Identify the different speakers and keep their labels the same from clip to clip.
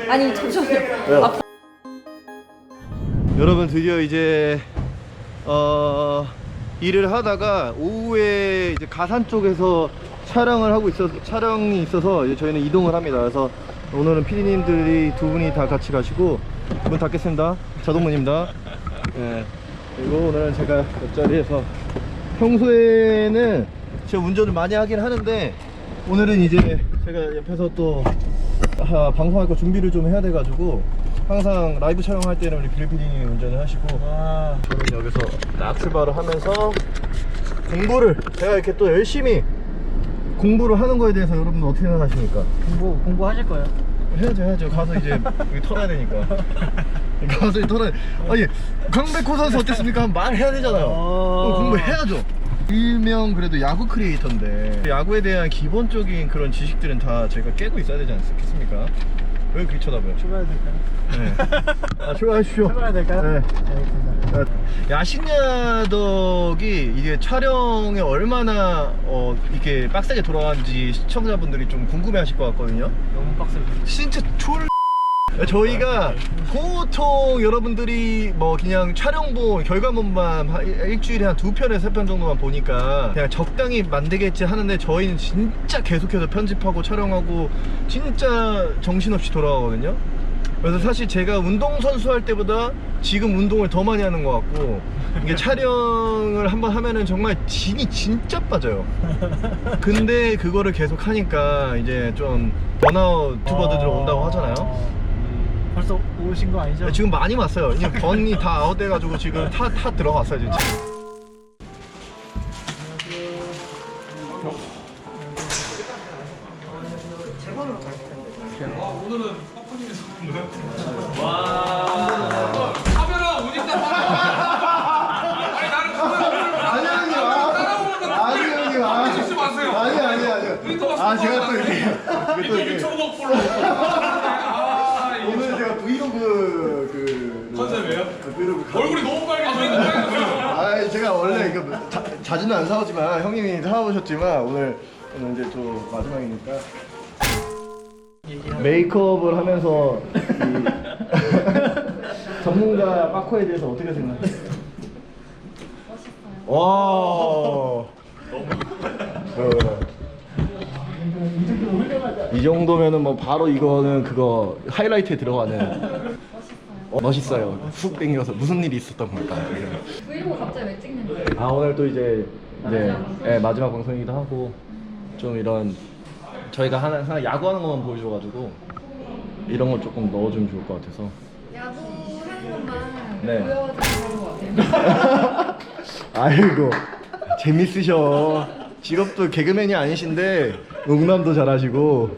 Speaker 1: 아니 잠시만요.
Speaker 2: 여러분 드디어 이제 일을 하다가 오후에 이제 가산 쪽에서 촬영이 있어서 이제 저희는 이동을 합니다. 그래서 오늘은 PD님들이 두 분이 다 같이 가시고 문 닫겠습니다. 자동문입니다. 네. 그리고 오늘은 제가 옆자리에서 평소에는 제가 운전을 많이 하긴 하는데 오늘은 이제 제가 옆에서 또 방송할 거 준비를 좀 해야 돼가지고 항상 라이브 촬영할 때는 우리 빌 PD님이 운전을 하시고 저는 여기서 딱 출발을 하면서 공부를 제가 이렇게 또 열심히 공부를 하는 거에 대해서 여러분 어떻게 생각하십니까?
Speaker 3: 공부하실 거예요?
Speaker 2: 해야죠. 가서 이제 여기 털어야 되니까. 가서 털어야. 아니 강백호 선수 어땠습니까? 말해야 되잖아요. 공부해야죠. 일명 그래도 야구 크리에이터인데 야구에 대한 기본적인 그런 지식들은 다 제가 깨고 있어야 되지 않겠습니까? 왜 그렇게 쳐다봐요?
Speaker 3: 출발해야 될까요?
Speaker 2: 네. 출발하십시오.
Speaker 3: 출발해야 될까요?
Speaker 2: 네.
Speaker 3: 알겠습니다.
Speaker 2: 야식야덕이 이게 촬영에 얼마나 이렇게 빡세게 돌아가는지 시청자분들이 좀 궁금해하실 것 같거든요.
Speaker 3: 너무 빡세요.
Speaker 2: 진짜 저희가 보통 여러분들이 뭐 그냥 촬영본 결과물만 일주일에 한 2편에서 3편 정도만 보니까 그냥 적당히 만들겠지 하는데 저희는 진짜 계속해서 편집하고 촬영하고 진짜 정신없이 돌아가거든요. 그래서 사실 제가 운동선수 할 때보다 지금 운동을 더 많이 하는 것 같고 이게 촬영을 한번 하면은 정말 진이 진짜 빠져요. 근데 그거를 계속 하니까 이제 좀 번아웃 유튜버들 온다고 하잖아요.
Speaker 3: 벌써 오신 거 아니죠?
Speaker 2: 지금 많이 왔어요. 그냥 번이 다 아웃돼가지고 지금 타 들어갔어요 진짜.
Speaker 4: 오늘은 퍼프님에서 온 와. 카메라 오니까 아니 나는 카메라 찍지 마세요.
Speaker 2: 아니요. 제가 또 이렇게
Speaker 4: 유튜브 폴로.
Speaker 2: 오늘 제가 브이로그
Speaker 4: 컨셉이에요?
Speaker 2: 브이로그
Speaker 4: 얼굴이 너무 빨개져요.
Speaker 2: 제가 원래 이거 자주는 안 사오지만 형님이 사오셨지만 오늘 이제 또 마지막이니까 메이크업을 하면서 이 전문가 빠코에 대해서 어떻게 생각해요? 멋있어요. 와. 이 정도면은 뭐 바로 이거는 그거 하이라이트에 들어가는. 멋있어요. 훅 땡겨서 무슨 일이 있었던 걸까?
Speaker 1: 브이로그 갑자기 왜 찍는 거예요?
Speaker 2: 오늘 또 이제 마지막 방송이기도 하고 좀 이런 저희가 항상 야구하는 것만 보여줘가지고 이런 거 조금 넣어주면 좋을 것 같아서.
Speaker 1: 야구하는 것만
Speaker 2: 네.
Speaker 1: 보여드리는 것 같아요.
Speaker 2: 아이고 재밌으셔. 직업도 개그맨이 아니신데 농담도 잘하시고.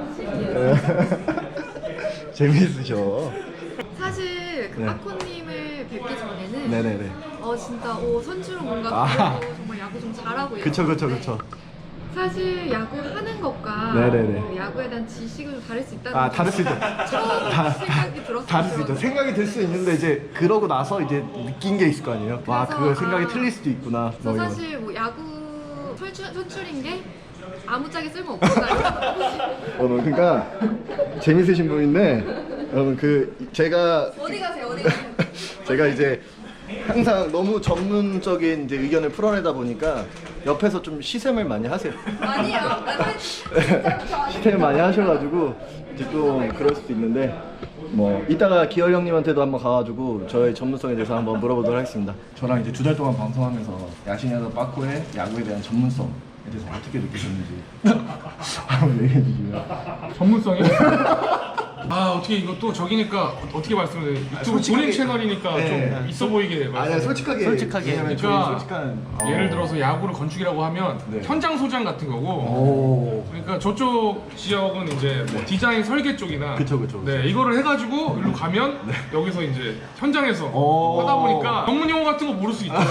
Speaker 2: 재밌으셔.
Speaker 1: 사실 그
Speaker 2: 네.
Speaker 1: 빠코님을 뵙기 전에는
Speaker 2: 네네네.
Speaker 1: 진짜 선수로 뭔가 배우고 정말 야구 좀 잘하고
Speaker 2: 그쵸.
Speaker 1: 사실 야구 하는 것과
Speaker 2: 네네네.
Speaker 1: 그 야구에 대한 지식을 좀 다를 수 있다는
Speaker 2: 다를 수 있죠.
Speaker 1: 처음 생각이 들었어요.
Speaker 2: 다를 수 있죠. 생각이 들 수 있는데 이제 그러고 나서 이제 느낀 게 있을 거 아니에요. 와,
Speaker 1: 그래서,
Speaker 2: 그거 생각이 틀릴 수도 있구나.
Speaker 1: 그래서
Speaker 2: 이런.
Speaker 1: 사실 뭐 야구 선출인 게 아무짝에 쓸모없구나.
Speaker 2: 그러니까 재밌으신 분인데 여러분 제가
Speaker 1: 어디 가세요?
Speaker 2: 제가 이제 항상 너무 전문적인 이제 의견을 풀어내다 보니까 옆에서 좀 시샘을 많이 하세요.
Speaker 1: 아니요.
Speaker 2: 시샘을 많이 하셔가지고 이제 좀 그럴 수도 있는데 뭐 이따가 기열 형님한테도 한번 가가지고 저의 전문성에 대해서 한번 물어보도록 하겠습니다. 저랑 이제 2달 동안 방송하면서 야신야덕 빠코의 야구에 대한 전문성에 대해서 어떻게 느끼셨는지 한번 얘기해 주시고요.
Speaker 4: 전문성이요? 어떻게 이거 또 저기니까 어떻게 말씀을 해요? 유튜브 본인 채널이니까 좀 있어 보이게
Speaker 2: 아니야 솔직하게 왜냐면 저희
Speaker 4: 그러니까
Speaker 2: 솔직한
Speaker 4: 예를 들어서 야구를 건축이라고 하면 현장 소장 같은 거고 그러니까 저쪽 지역은 이제 뭐 디자인 설계 쪽이나
Speaker 2: 그쵸.
Speaker 4: 네 이거를 해가지고 일로 가면 여기서 이제 현장에서 하다 보니까 전문 용어 같은 거 모를 수 있죠.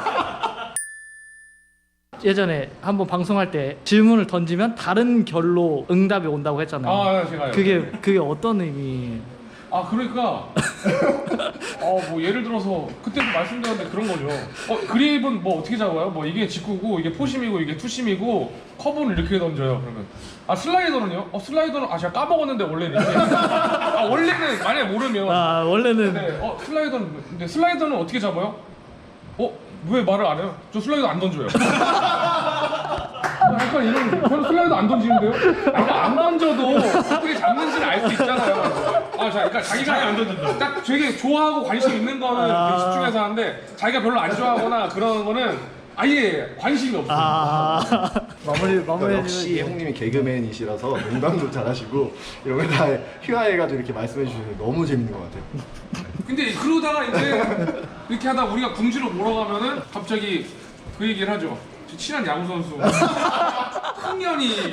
Speaker 3: 예전에 한번 방송할 때 질문을 던지면 다른 결로 응답이 온다고 했잖아요.
Speaker 4: 제가요.
Speaker 3: 그게 어떤 의미?
Speaker 4: 그러니까 뭐 예를 들어서 그때도 말씀드렸는데 그런 거죠. 그립은 뭐 어떻게 잡아요? 뭐 이게 직구고 이게 포심이고 이게 투심이고 커브는 이렇게 던져요. 그러면 슬라이더는요? 슬라이더는 제가 까먹었는데 원래 이렇게 원래는 만약에 모르면
Speaker 3: 원래는
Speaker 4: 네, 근데 슬라이더는 어떻게 잡아요? 왜 말을 안 해요? 저 슬라이더 안 던져요. 약간 이런 저는 슬라이더 안 던지는데요? 안 던져도 어떻게 잡는지를 알 수 있잖아요. 그러니까 자기가 안 던진다. 딱 되게 좋아하고 관심 있는 거는 되게 집중해서 하는데 자기가 별로 안 좋아하거나 그런 거는 아예 관심이 없어요.
Speaker 3: 마무리
Speaker 2: 역시 형님이 개그맨이시라서 농담도 잘하시고 이런 걸 다 휘하해가지고 이렇게 말씀해 주시는 게 너무 재밌는 것 같아요.
Speaker 4: 근데 그러다가 이제 이렇게 하다 우리가 궁지로 몰아가면은 갑자기 그 얘기를 하죠. 저 친한 야구 선수 흥년이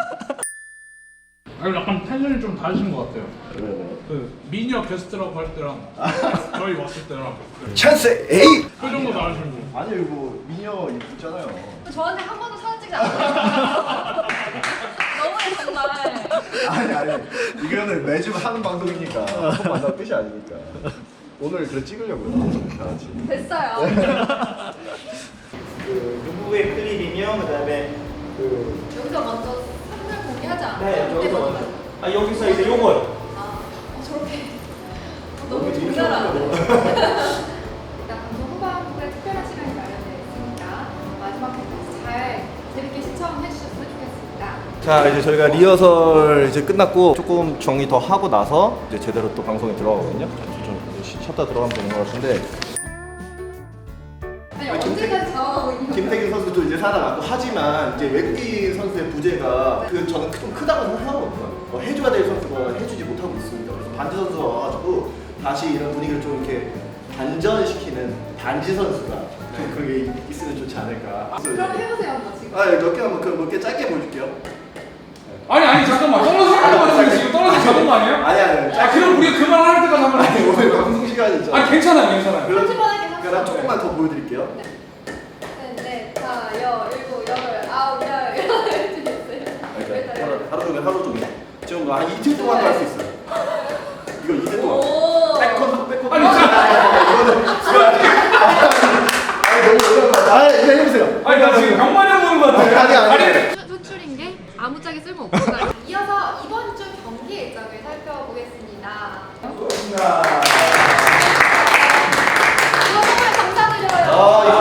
Speaker 5: 약간 텐션이 좀 다르신 것 같아요. 그 미녀 게스트라고 할 때랑 저희 왔을 때랑
Speaker 2: 찬스 에이!
Speaker 5: 표정도 다르시고.
Speaker 2: 아니 뭐 미녀 있잖아요.
Speaker 1: 저한테 한 번도 사진 찍지 않았어요. 너무해 정말.
Speaker 2: 아니 이거는 매주 하는 방송이니까 한 번 만나는 뜻이 아니니까 오늘 그래 찍으려고요. 다 같이.
Speaker 1: 됐어요.
Speaker 6: 그 누구의 클립이며 그다음에 그
Speaker 1: 여기서 먼저 사진을 공개하지 않아요?
Speaker 6: 네, 여기서 먼저 여기서 이제 요걸
Speaker 1: 저렇게 너무 존잘하네.
Speaker 7: 일단 방송 후반부에 특별한 시간이 마련되어 있으니까 마지막까지 잘 재밌게 시청해 주셨으면 좋겠습니다.
Speaker 2: 자 이제 저희가 리허설 이제 끝났고 조금 정리 더 하고 나서 이제 제대로 또 방송에 들어가거든요. 좀 쉬었다 들어가면 되는 것 같은데.
Speaker 7: 아니 언제까지 자원하고 있는 거예요?
Speaker 2: 김태균 선수도 이제 살아났고 하지만 이제 외국인 선수의 부재가 저는 좀 크다고 생각하거든요. 해줘야 될 선수가 해주지 못하고 있습니다. 그래서 반지 선수가 와가지고 다시 이런 분위기를 좀 이렇게 반전시키는 반지 선수가 좀 그런 게 있으면 좋지 않을까.
Speaker 7: 그럼 해보세요 한번 지금.
Speaker 2: 몇개 한번 몇 개 짧게 보여줄게요.
Speaker 4: 아니 잠깐만 떨어지는 거 같은데 지금 떨어져 잡은 거 아니에요?
Speaker 2: 아니
Speaker 4: 그럼 우리가 그만할 때까지 한번
Speaker 2: 아니
Speaker 4: 해요.
Speaker 2: 오늘 방송 시간이 있잖아.
Speaker 4: 괜찮아요.
Speaker 2: 그럼 조금만 더 보여드릴게요.
Speaker 7: 네, 다, 일곱, 여덟, 아홉, 열,
Speaker 2: 그러니까 하루 종일 지금 한 이틀 동안도 할 수 있어요. 이거 이틀 동안.
Speaker 1: 오.
Speaker 2: 백컨. 아니 이거는 너무 어려운 거 같아. 이제 해보세요.
Speaker 4: 나 지금 병만해 보는 거 같아.
Speaker 2: 아니.
Speaker 1: 소출인 게 아무짝에 쓸모없구나.
Speaker 7: 이어서 이번 주 경기 일정을 살펴보겠습니다.
Speaker 2: 고맙습니다.
Speaker 7: 이거 정말 감사드려요.
Speaker 2: 이거